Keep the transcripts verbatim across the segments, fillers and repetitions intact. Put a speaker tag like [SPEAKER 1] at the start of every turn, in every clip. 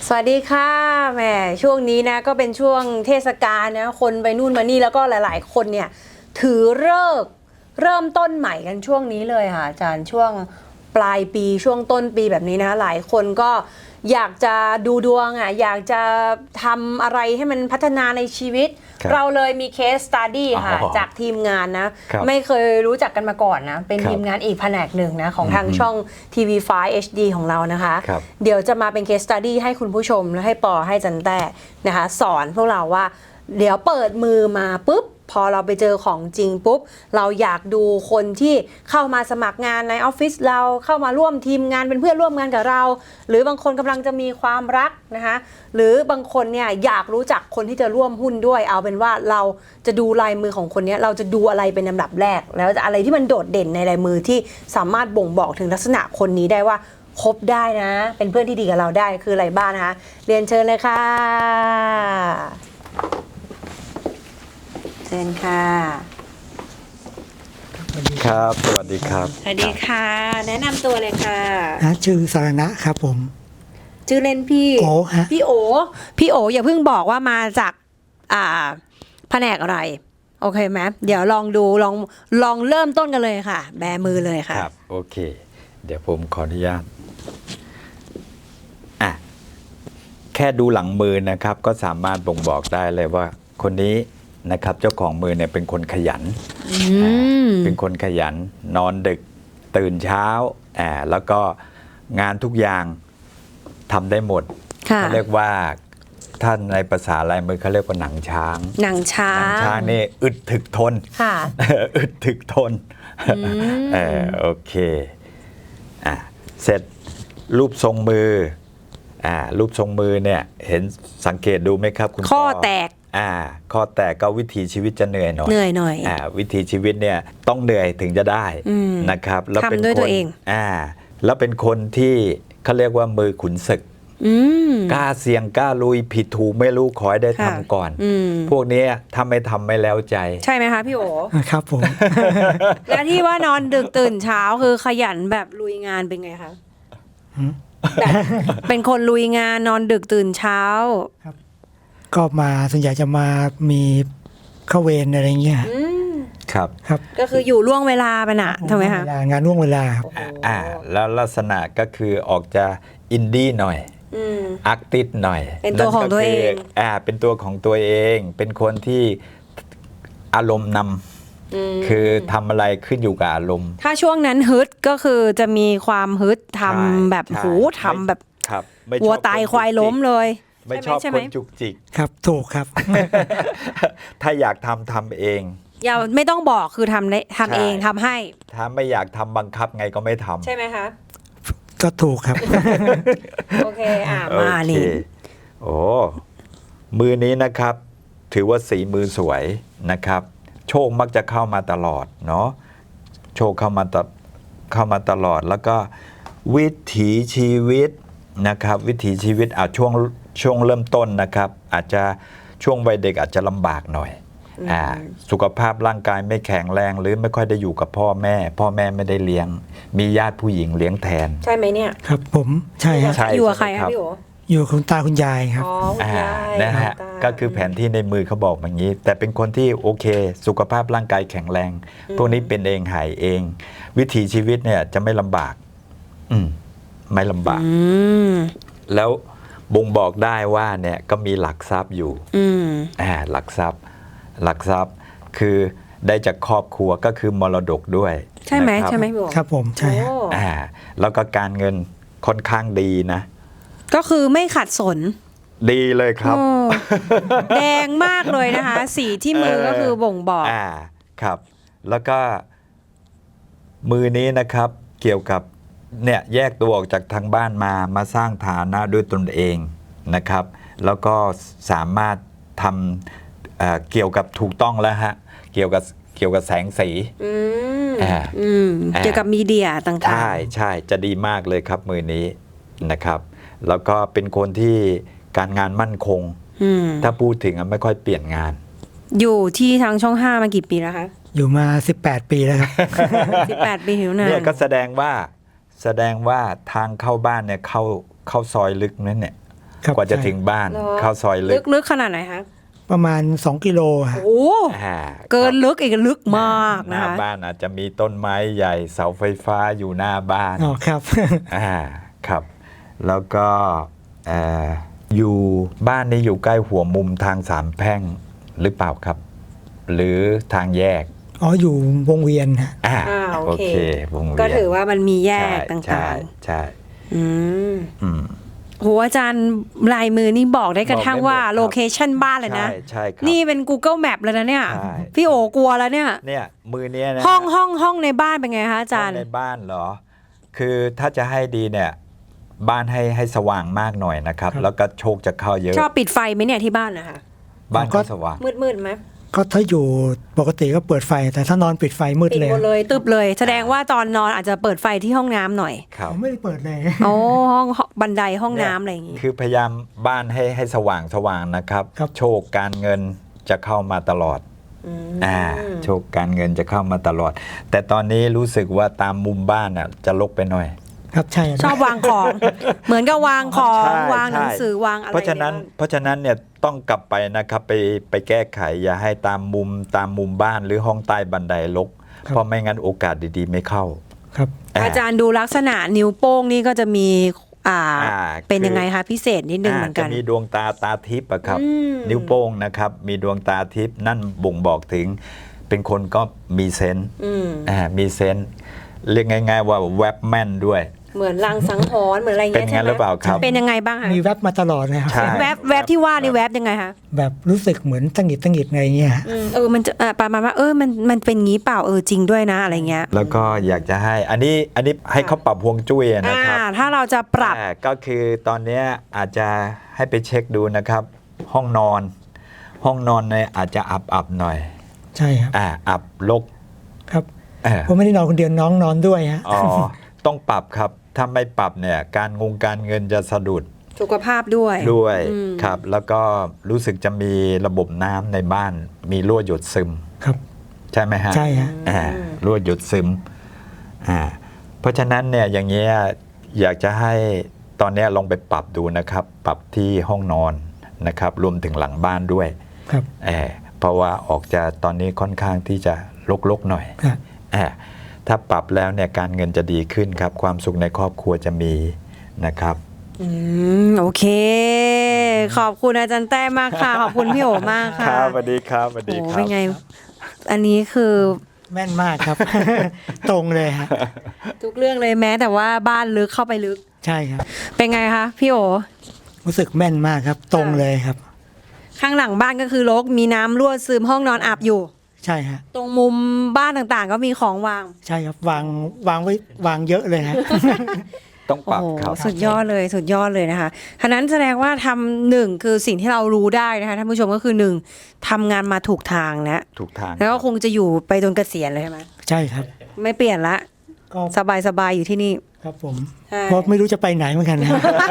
[SPEAKER 1] สวัสดีค่ะแหมช่วงนี้นะก็เป็นช่วงเทศกาลนะคนไปนู่นมานี่แล้วก็หลายๆคนเนี่ยถือเลิกษ์เริ่มต้นใหม่กันช่วงนี้เลยค่ะอาจารย์ช่วงปลายปีช่วงต้นปีแบบนี้นะหลายคนก็อยากจะดูดวงอ่ะอยากจะทำอะไรให้มันพัฒนาในชีวิตเราเลยมีเคสสตัดดี้ค่ะจากทีมงานนะไม่เคยรู้จักกันมาก่อนนะเป็นทีมงานอีกแผนกหนึ่งนะของทางช่อง ที วี ไฟว์ เอช ดี ของเรานะคะเดี๋ยวจะมาเป็นเคสสตัดดี้ให้คุณผู้ชมและให้ปอให้จันแต้นะคะสอนพวกเราว่าเดี๋ยวเปิดมือมาปุ๊บพอเราไปเจอของจริงปุ๊บเราอยากดูคนที่เข้ามาสมัครงานในออฟฟิศเราเข้ามาร่วมทีมงานเป็นเพื่อนร่วมงานกับเราหรือบางคนกำลังจะมีความรักนะคะหรือบางคนเนี่ยอยากรู้จักคนที่จะร่วมหุ้นด้วยเอาเป็นว่าเราจะดูลายมือของคนนี้เราจะดูอะไรเป็นลำดับแรกแล้วอะไรที่มันโดดเด่นในลายมือที่สามารถบ่งบอกถึงลักษณะคนนี้ได้ว่าคบได้นะเป็นเพื่อนที่ดีกับเราได้คืออะไรบ้างนะคะเรียนเชิญเลยค่ะเชิญค่ะ
[SPEAKER 2] ครับสวัสดีครับ
[SPEAKER 1] สวัสดีค่ะแนะนำตัวเลยค่ะ
[SPEAKER 3] ชื่อสารณะครับผม
[SPEAKER 1] ชื่อเล่นพี่
[SPEAKER 3] โอฮะ
[SPEAKER 1] พี่โอพี่โออย่าเพิ่งบอกว่ามาจากอ่าแผนกอะไรโอเคไหมเดี๋ยวลองดูลองลองเริ่มต้นกันเลยค่ะแบมือเลยค่ะ
[SPEAKER 2] ครับโอเคเดี๋ยวผมขออนุญาตอ่ะแค่ดูหลังมือนะครับก็สามารถบ่งบอกได้เลยว่าคนนี้นะครับเจ้าของมือเนี่ยเป็นคนขยันเป็นคนขยันนอนดึกตื่นเช้าอ่าแล้วก็งานทุกอย่างทำได้หมดเขาเรียกว่าท่านในภาษาลายมือเขาเรียกว่าหนังช้าง
[SPEAKER 1] หนังช้าง
[SPEAKER 2] หนังช้างนี่อึดถึกทน
[SPEAKER 1] ค่ะ
[SPEAKER 2] อึดถึกทนเออโอเคอ่ะเสร็จรูปทรงมืออ่ารูปทรงมือเนี่ยเห็นสังเกตดูไหมครับคุณ
[SPEAKER 1] ข้อแตก
[SPEAKER 2] อ่าข้อแตกก็วิถีชีวิตจะเหนื่อยหน่อย
[SPEAKER 1] เหนื่อยหน่อย
[SPEAKER 2] อ่าวิถีชีวิตเนี่ยต้องเหนื่อยถึงจะได้นะครับ
[SPEAKER 1] แล้วเป็นด้วยตัวเอง
[SPEAKER 2] อ่าแล้วเป็นคนที่เขาเรียกว่ามือขุนศึกกล้าเสี่ยงกล้าลุยผิดถูกไม่รู้ขอให้ได้ทำก่อนพวกนี้ถ้าไม่ทำไม่แล้วใจ
[SPEAKER 1] ใช่ไหมคะพี่โอ
[SPEAKER 3] ครับผม
[SPEAKER 1] แล้วที่ว่านอนดึกตื่นเช้าคือขยันแบบลุยงานเป็นไงคะแบบเป็นคนลุยงานนอนดึกตื่นเช้า
[SPEAKER 3] ครับก็มาส่วนใหญ่จะมามีเข้าเวรอะไรเงี้ย
[SPEAKER 2] ครับ
[SPEAKER 3] ครับ
[SPEAKER 1] ก็คืออยู่ล่วงเวลาไปน่ะทำไมคะ
[SPEAKER 3] งานล่วงเวลา
[SPEAKER 2] อ่าแล้วลักษณะก็คือออกจะอินดี้หน่อยอาร์ติสหน่อย
[SPEAKER 1] เป็นตัวของตัวเอง
[SPEAKER 2] อ่าเป็นตัวของตัวเองเป็นคนที่อารมณ์นำคือทำอะไรขึ้นอยู่กับอารมณ์
[SPEAKER 1] ถ้าช่วงนั้นฮึดก็คือจะมีความฮึดทำแบบหูทำแบบวัวตายควายล้มเลย
[SPEAKER 2] ไม่ชอบคนจุกจิก
[SPEAKER 3] ครับถูกครับ
[SPEAKER 2] ถ้าอยากทำทำเอง
[SPEAKER 1] อย่าไม่ต้องบอกคือทำทำเองทำให้
[SPEAKER 2] ถ้าไม่อยากทำบังคับไงก็ไม่ทำ
[SPEAKER 1] ใช่ไหมคะ
[SPEAKER 3] ก็ถูกครับ
[SPEAKER 1] โอเคอ่ะมานี่
[SPEAKER 2] โอ้มือนี้นะครับถือว่าสีมือสวยนะครับโชคมักจะเข้ามาตลอดเนาะโชคเข้ามาตเข้ามาตลอดแล้วก็วิถีชีวิตนะครับวิถีชีวิตอาจช่วงช่วงเริ่มต้นนะครับอาจจะช่วงวัยเด็กอาจจะลำบากหน่อยอ่าสุขภาพร่างกายไม่แข็งแรงหรือไม่ค่อยได้อยู่กับพ่อแม่พ่อแม่ไม่ได้เลี้ยงมีญาติผู้หญิงเลี้ยงแทน
[SPEAKER 1] ใช่ไหมเนี่ย
[SPEAKER 3] ครับผมใช่
[SPEAKER 1] ครับอยู่กับใครครับพี่โอ
[SPEAKER 3] อยู่กับคุณตาคุณยายครับ
[SPEAKER 1] อ๋อคุณยาย
[SPEAKER 2] นะฮะก็คือแผนที่ในมือเขาบอกอย่างนี้แต่เป็นคนที่โอเคสุขภาพร่างกายแข็งแรงพวกนี้เป็นเองหายเองวิถีชีวิตเนี่ยจะไม่ลำบากอืมไม่ลำบากแล้วบ่งบอกได้ว่าเนี่ยก็มีหลักทรัพย์อยู่อ่าหลักทรัพย์หลักทรัพย์คือได้จากครอบครัวก็คือมรดกด้วย
[SPEAKER 1] ใช่ไหมใช่ไหมพี่โอ
[SPEAKER 3] ครับผมใช่
[SPEAKER 2] อ่าแล้วก็การเงินค่อนข้างดีนะ
[SPEAKER 1] ก็คือไม่ขัดสน
[SPEAKER 2] ดีเลยครับ
[SPEAKER 1] แดงมากเลยนะคะสีที่มือก็คือบ่งบอก
[SPEAKER 2] อ่าครับแล้วก็มือนี้นะครับเกี่ยวกับเนี่ยแยกตัวออกจากทางบ้านมามาสร้างฐานะด้วยตนเองนะครับแล้วก็สามารถทำ เ, เกี่ยวกับถูกต้องแล้วฮะเกี่ยวกับเกี่ยวกับแสงสี
[SPEAKER 1] เกี่ยวกับมีเดียต่างๆ
[SPEAKER 2] ใช่ใช่จะดีมากเลยครับมือนี้นะครับแล้วก็เป็นคนที่การงานมั่นคงถ้าพูดถึงไม่ค่อยเปลี่ยนงาน
[SPEAKER 1] อยู่ที่ทางช่องห้ามากี่ปีแล้วคะ
[SPEAKER 3] อยู่มาสิบแปดปีแล้วครับ
[SPEAKER 1] สิบแปดปีหิวนาน
[SPEAKER 2] เนี่ยก็แสดงว่าแสดงว่าทางเข้าบ้านเนี่ยเข้าเข้าซอยลึกนั่นเนี่ย
[SPEAKER 3] ครับ
[SPEAKER 2] กว่าจะ
[SPEAKER 3] ใช่
[SPEAKER 2] ถึงบ้าน
[SPEAKER 1] เหรอ
[SPEAKER 2] เข้าซอยลึ
[SPEAKER 1] ลึ
[SPEAKER 2] ก
[SPEAKER 1] กลึกขนาดไหนคะ
[SPEAKER 3] ประมาณสองกิโลฮะ
[SPEAKER 1] โอ้
[SPEAKER 2] อ่า
[SPEAKER 1] เกิน
[SPEAKER 2] ครับ
[SPEAKER 1] ลึกอีกลึกมาก
[SPEAKER 2] ห
[SPEAKER 1] นะ
[SPEAKER 2] น้า
[SPEAKER 1] คะ
[SPEAKER 2] บ้านอาจจะมีต้นไม้ใหญ่เสาไฟฟ้าอยู่หน้าบ้าน
[SPEAKER 3] อ๋อครับ
[SPEAKER 2] อ่าครับ แล้วก็เอ่ออยู่บ้านนี้อยู่ใกล้หัวมุมทางสามแพร่งหรือเปล่าครับ หรือทางแยก
[SPEAKER 3] อ๋ออยู่วงเวียนฮะ
[SPEAKER 2] อ่า
[SPEAKER 1] อ่าโอ
[SPEAKER 2] โอ
[SPEAKER 1] เค
[SPEAKER 2] เควงเวียน
[SPEAKER 1] ก็ถือว่ามันมีแยก
[SPEAKER 2] ใช่
[SPEAKER 1] ต่
[SPEAKER 2] ใช่
[SPEAKER 1] าง
[SPEAKER 2] ใช่
[SPEAKER 1] ๆ อืม
[SPEAKER 2] อืม
[SPEAKER 1] โหอาจารย์ลายมือนี่บอกได้กระทั่งว่า
[SPEAKER 2] บอกได้หมดครับ
[SPEAKER 1] โลเคชันบ้านเลยนะ
[SPEAKER 2] ใช่ใช่ครับ
[SPEAKER 1] นี่เป็น Google Map เลยนะเนี่ย
[SPEAKER 2] ใช่
[SPEAKER 1] พี่โอกลัวแล้วเนี่ย
[SPEAKER 2] เนี่ยมือเนี้ยนะ
[SPEAKER 1] ห้องห้องห้องในบ้านเป็นไงคะอาจารย์
[SPEAKER 2] ห้องในบ้านเหรอ คือถ้าจะให้ดีเนี่ย บ้านให้ให้สว่างมากหน่อยนะครับ
[SPEAKER 3] ครับ
[SPEAKER 2] แล้วก็โชคจะเข้าเยอะ
[SPEAKER 1] ชอบปิดไฟไหมเนี่ยที่บ้านนะคะ
[SPEAKER 2] บ้าน
[SPEAKER 3] ก็
[SPEAKER 2] ก็สว่าง
[SPEAKER 1] มืดมืดๆไหม
[SPEAKER 3] ก็ถ้าอยู่ปกติก็เปิดไฟ แต่ถ้านอนปิดไฟมืด
[SPEAKER 1] ปิด
[SPEAKER 3] เลย
[SPEAKER 1] หมดเลยตึบเลย แสดงว่าตอนนอนอาจจะเปิดไฟที่ห้องน้ำหน่อย
[SPEAKER 2] ครับ
[SPEAKER 3] ผมไม่ได้เปิดเลย
[SPEAKER 1] โอ้ห้องบันไดห้องน้ำอะไรอย่างงี้
[SPEAKER 2] คือพยายามบ้านให้ให้สว่างสว่างนะครับ
[SPEAKER 3] ครับ
[SPEAKER 2] โชคการเงินจะเข้ามาตลอด
[SPEAKER 1] อืม
[SPEAKER 2] อ่าโชคการเงินจะเข้ามาตลอด แต่ตอนนี้รู้สึกว่าตามมุมบ้านน่ะจะรกไปหน่อย
[SPEAKER 3] ครับใช่
[SPEAKER 1] ชอบวางของ เหมือนกับวางของ
[SPEAKER 2] ใช่
[SPEAKER 1] วางหนัง
[SPEAKER 2] ใช่
[SPEAKER 1] สือวางอะไร
[SPEAKER 2] เพราะฉะนั้น
[SPEAKER 1] ใบ้
[SPEAKER 2] เพราะฉะนั้นเนี่ยต้องกลับไปนะครับไปไปแก้ไขอย่าให้ตามมุมตามมุมบ้านหรือห้องใต้บันไดรกเพราะไม่งั้นโอกาสดีๆไม่เข้า
[SPEAKER 3] ครับ
[SPEAKER 1] อาจารย์ดูลักษณะนิ้วโป้งนี่ก็จะมีอ่า
[SPEAKER 2] อ่า
[SPEAKER 1] เป็น
[SPEAKER 2] คือ
[SPEAKER 1] ยังไงคะพิเศษนิดนึงเหมือนกัน
[SPEAKER 2] จะมีดวงตาตาทิพย์อะครับ
[SPEAKER 1] อืม
[SPEAKER 2] นิ้วโป้งนะครับ มีดวงตาทิพย์นั่นบ่งบอกถึง เป็นคนก็มีเซนส์
[SPEAKER 1] อืม
[SPEAKER 2] อ่ามีเซนส์เรียกง่าย ๆ ว่าแวบแม่นด้วย
[SPEAKER 1] เหมือนลางสังหรณ์เหมือนอะไร
[SPEAKER 2] เป็
[SPEAKER 1] เงี้
[SPEAKER 2] น
[SPEAKER 1] ย
[SPEAKER 2] งั้
[SPEAKER 1] ใช่
[SPEAKER 2] น
[SPEAKER 1] ไหม
[SPEAKER 2] หรือเปล่าครับ
[SPEAKER 1] เป็นยังไงบ้างคะ
[SPEAKER 3] มีแวบมาตลอดนะครับ
[SPEAKER 2] ใช่
[SPEAKER 1] แวบแวบที่ว่านี่แวบยังไงคะ
[SPEAKER 3] แบบรู้สึกเหมือนตังหงิดตังหงิดอะไรเงี้ย
[SPEAKER 1] อืมเออมันจะอ่าประมาณว่าเออมันมันเป็นงี้เปล่าเออจริงด้วยนะอะไรเงี้ย
[SPEAKER 2] แล้วก็อยากจะให้ อันนี้อันนี้ให้เขาปรับฮวงจุ้ยนะ
[SPEAKER 1] อ่า
[SPEAKER 2] ครับ
[SPEAKER 1] ถ้าเราจะปรับ
[SPEAKER 2] อ่าก็คือตอนเนี้ยอาจจะให้ไปเช็คดูนะครับ ห้องนอน ห้องนอนเนี่ยอาจจะอับอับๆหน่อย
[SPEAKER 3] ใช่ครับ
[SPEAKER 2] อ่าอับรก
[SPEAKER 3] ครับ
[SPEAKER 2] เออ
[SPEAKER 3] ผมไม่ได้นอนคนเดียวน้องนอนด้วยฮะ
[SPEAKER 2] อ๋อ ต้องปรับครับ ถ้าไม่ปรับเนี่ย การงงการเงินจะสะดุด
[SPEAKER 1] สุขภาพด้วย
[SPEAKER 2] ด้วย
[SPEAKER 1] อืม
[SPEAKER 2] ครับ แล้วก็รู้สึกจะมีระบบน้ำในบ้าน มีรั่วหยดซึม
[SPEAKER 3] ครับ
[SPEAKER 2] ใช่ไหมฮะ
[SPEAKER 3] ใช่ฮะ
[SPEAKER 2] อ่ารั่วหยดซึมอ่าเพราะฉะนั้นเนี่ยอย่างเงี้ยอยากจะให้ตอนเนี้ยลองไปปรับดูนะครับ ปรับที่ห้องนอนนะครับ รวมถึงหลังบ้านด้วย
[SPEAKER 3] ครับ
[SPEAKER 2] เออเพราะว่าออกจะตอนนี้ค่อนข้างที่จะรกๆหน่อย
[SPEAKER 3] ครับ
[SPEAKER 2] เออถ้าปรับแล้วเนี่ยการเงินจะดีขึ้นครับ ความสุขในครอบครัวจะมีนะครับ
[SPEAKER 1] อืมโอเค ขอบคุณอาจารย์แต้มากค่ะ ขอบคุณพี่โอมากค่ะ
[SPEAKER 2] ครับสวัสดีครับสวัส
[SPEAKER 1] โอ้
[SPEAKER 2] ดีครั
[SPEAKER 1] เป็น
[SPEAKER 2] บ
[SPEAKER 1] ไง อันนี้คือ
[SPEAKER 3] แม่นมากครับ ตรงเลยฮะ
[SPEAKER 1] ทุกเรื่องเลยแม้แต่ว่าบ้านลึกเข้าไปลึก
[SPEAKER 3] ใช่ครับ
[SPEAKER 1] เป็นไงคะพี่โอ
[SPEAKER 3] รู้สึกแม่นมากครับ ตรงเลยครับ
[SPEAKER 1] ข้างหลังบ้านก็คือรกมีน้ำรั่วซึมห้องนอนอับอยู่
[SPEAKER 3] ใช่ฮะ
[SPEAKER 1] ตรงมุมบ้านต่างๆ ก็มีของวาง
[SPEAKER 3] ใช่ครับวางวางไว้วางเยอะเลยฮะ
[SPEAKER 2] ต้องป
[SPEAKER 1] โอ้
[SPEAKER 2] รับ
[SPEAKER 1] โห
[SPEAKER 2] ครับ
[SPEAKER 1] สุดยอดเลยสุดยอดเลยนะคะฉะนั้นแสดงว่าทำหนึ่งคือสิ่งที่เรารู้ได้นะคะท่านผู้ชมก็คือหนึ่งทำงานมาถูกทางนะ
[SPEAKER 2] ถูกทาง
[SPEAKER 1] แล้วก็
[SPEAKER 2] รับ
[SPEAKER 1] คงจะอยู่ไปจนเกษียณเลยใช่ไหม
[SPEAKER 3] ใช่ครับ
[SPEAKER 1] ไม่เปลี่ยนละ
[SPEAKER 3] ก็
[SPEAKER 1] สบายสบายๆอยู่ที่นี่
[SPEAKER 3] ครับผม
[SPEAKER 1] ใช่
[SPEAKER 3] เพราะไม่รู้จะไปไหนเหมือนกันนะ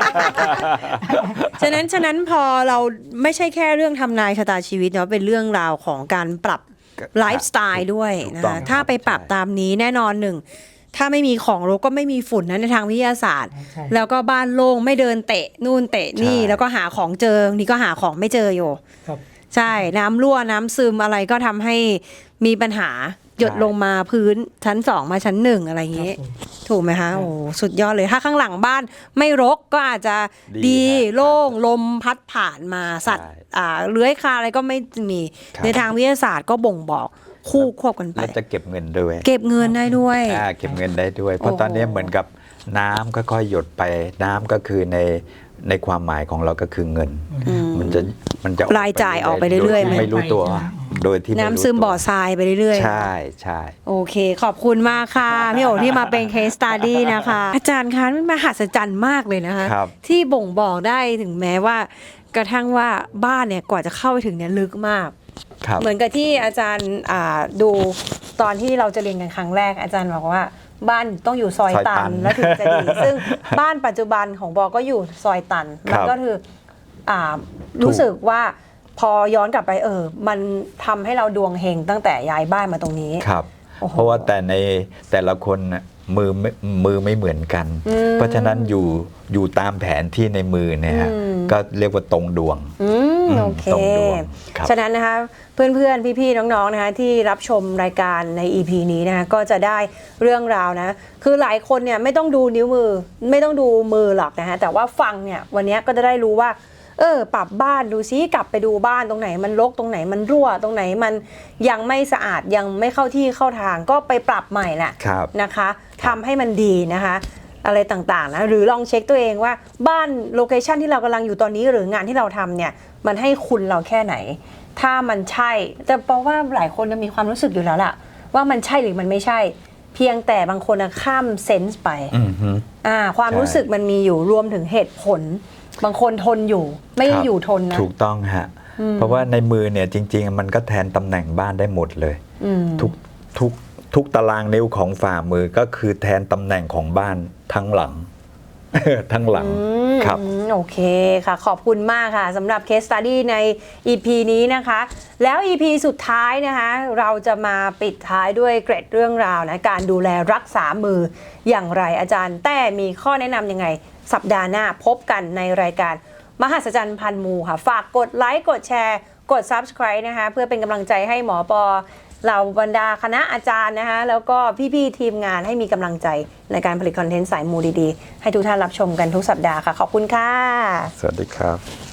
[SPEAKER 1] ฉะนั้นฉะนั้นพอเราไม่ใช่แค่เรื่องทำนายชะตาชีวิตเนาะเป็นเรื่องราวของการปรับไลฟ์สไตล์ด้วย
[SPEAKER 2] ถูก
[SPEAKER 1] นะ
[SPEAKER 2] ต้อง
[SPEAKER 1] คะ
[SPEAKER 2] ครับ
[SPEAKER 1] ถ้าไปปรับ
[SPEAKER 2] ใช่
[SPEAKER 1] ตามนี้แน่นอนหนึ่งถ้าไม่มีของรกก็ไม่มีฝุ่นนะในทางวิทยาศาสตร์
[SPEAKER 3] ใช่
[SPEAKER 1] แล้วก็บ้านโล่งไม่เดินเตะนู่นเตะนี่
[SPEAKER 2] ใช่
[SPEAKER 1] แล้วก็หาของเจอนี่ก็หาของไม่เจออยู่
[SPEAKER 3] ครับ
[SPEAKER 1] ใช่น้ำรั่วน้ำซึมอะไรก็ทำให้มีปัญหาหยดลงมาพื้นชั้นสองมาชั้นหนึ่งอะไรอย่าง
[SPEAKER 3] ครับ
[SPEAKER 1] นี้
[SPEAKER 3] ผม
[SPEAKER 1] ถูกไหมคะโอ้สุดยอดเลยถ้าข้างหลังบ้านไม่รกก็อาจจะ
[SPEAKER 2] ดี
[SPEAKER 1] ดี
[SPEAKER 2] ฮะ
[SPEAKER 1] โล่งลมพัดผ่านมาสัตว์
[SPEAKER 2] ใช่
[SPEAKER 1] อ่าเลื้อยคลานอะไรก็ไม่มี
[SPEAKER 2] ครับ
[SPEAKER 1] ในทางวิทยาศาสตร์ก็บ่งบอกคู่ควบกันไป
[SPEAKER 2] แล้วจะเก็บเงินด้วย
[SPEAKER 1] เก็บเงินได้ด้วย
[SPEAKER 2] อ่าเก็บเงินได้ด้วย เพราะ
[SPEAKER 1] โอ้โห
[SPEAKER 2] ตอนนี้เหมือนกับน้ำค่อยๆหยดไปน้ำก็คือในในความหมายของเราก็คือเงิน
[SPEAKER 1] อืม
[SPEAKER 2] มันจะมันจะ
[SPEAKER 1] รายจ่ายออกไปเรื่อยๆ
[SPEAKER 2] โดที่ไม่รู้ตัว โดยที่ไรู้
[SPEAKER 1] น้ำซึม
[SPEAKER 2] ตัว
[SPEAKER 1] บ่อทรายไปเรื่อยๆ
[SPEAKER 2] ใช่ใช่
[SPEAKER 1] โอเค ขอบคุณมากค่ะ พี่โอที่มาเป็น case study นะคะ อาจารย์คะมันมหัศจรรย์มากเลยนะคะ
[SPEAKER 2] ครับ
[SPEAKER 1] ที่บ่งบอกได้ถึงแม้ว่า กระทั่งว่าบ้านเนี่ยกว่าจะเข้าไปถึงเนี่ยลึกมาก
[SPEAKER 2] ครับ
[SPEAKER 1] เหมือนกับที่อาจารย์อ่าดูตอนที่เราจะเรียนกันครั้งแรก อาจารย์บอกว่าบ้านต้องอยู่ซอย
[SPEAKER 2] ซอยตั
[SPEAKER 1] ตัน
[SPEAKER 2] น
[SPEAKER 1] แล้วถึงจะดี ซึ่งบ้านปัจจุบันของบอกก็อยู่ซอยตัน
[SPEAKER 2] ครั
[SPEAKER 1] มัน
[SPEAKER 2] บ
[SPEAKER 1] ก็คืออ่ารู้สึกว่าพอย้อนกลับไปเออ มันทำให้เราดวงเฮงตั้งแต่ย้ายบ้านมาตรงนี้
[SPEAKER 2] ครับ
[SPEAKER 1] โอ้โห
[SPEAKER 2] เพราะว่าแต่ในแต่ละคนน่ะมือไม่มือไม่เหมือนกัน
[SPEAKER 1] อืม
[SPEAKER 2] เพราะฉะนั้นอยู่อยู่ตามแผนที่ในมือเนี่ยฮะ
[SPEAKER 1] อืม
[SPEAKER 2] ก็เรียกว่าตรงดวง
[SPEAKER 1] อืม
[SPEAKER 2] อืม
[SPEAKER 1] โอเค
[SPEAKER 2] ตรงดวงครับ
[SPEAKER 1] ฉะนั้นนะคะเพื่อนๆ พี่ๆ น้องๆ นะคะที่รับชมรายการใน อี พี นี้นะคะก็จะได้เรื่องราวนะ คือหลายคนเนี่ยไม่ต้องดูนิ้วมือ ไม่ต้องดูมือหรอกนะคะแต่ว่าฟังเนี่ยวันนี้ก็จะได้รู้ว่าเออปรับบ้านดูซิกลับไปดูบ้านตรงไหนมันรกตรงไหนมันรั่วตรงไหนมันยังไม่สะอาดยังไม่เข้าที่เข้าทางก็ไปปรับใหม่แหละ
[SPEAKER 2] ครับ
[SPEAKER 1] นะคะทำให้มันดีนะคะอะไรต่างๆนะหรือลองเช็คตัวเองว่าบ้านโลเคชันที่เรากำลังอยู่ตอนนี้หรืองานที่เราทำเนี่ยมันให้คุณเราแค่ไหน ถ้ามันใช่แต่เพราะว่าหลายคนจะมีความรู้สึกอยู่แล้วล่ะว่ามันใช่หรือมันไม่ใช่ เพียงแต่บางคนอะข้ามเซนส์ไป
[SPEAKER 2] อือฮึ
[SPEAKER 1] อ่าความ
[SPEAKER 2] ใช่
[SPEAKER 1] รู้สึกมันมีอยู่รวมถึงเหตุผล บางคนทนอยู่ไม่ได้
[SPEAKER 2] ครับ
[SPEAKER 1] อยู่ทนนะ
[SPEAKER 2] ถูกต้องฮะเพราะว่าในมือเนี่ยจริง ๆ มันก็แทนตำแหน่งบ้านได้หมดเลย
[SPEAKER 1] อืม
[SPEAKER 2] ทุกทุกทุกตารางนิ้วของฝ่ามือก็คือแทนตำแหน่งของบ้านทั้งหลัง ทั้งหลัง
[SPEAKER 1] อืม
[SPEAKER 2] ครับ
[SPEAKER 1] อืมโอเคค่ะ ขอบคุณมากค่ะสำหรับ Case Study ใน อี พี นี้นะคะ แล้ว อี พี สุดท้ายนะคะ เราจะมาปิดท้ายด้วยเกร็ดเรื่องราวนะการดูแลรักษามืออย่างไรอาจารย์ แต่มีข้อแนะนำยังไง สัปดาห์หน้าพบกันในรายการมหัศจรรย์พันมูค่ะ ฝากกดไลค์กดแชร์ กด Subscribe นะคะ เพื่อเป็นกำลังใจให้หมอปอเหล่าบรรดาคณะอาจารย์นะคะแล้วก็พี่ๆทีมงานให้มีกำลังใจในการผลิตคอนเทนต์สายมูดีๆ ให้ทุกท่านรับชมกันทุกสัปดาห์ค่ะ ขอบคุณค่ะ
[SPEAKER 2] สวัสดีครับ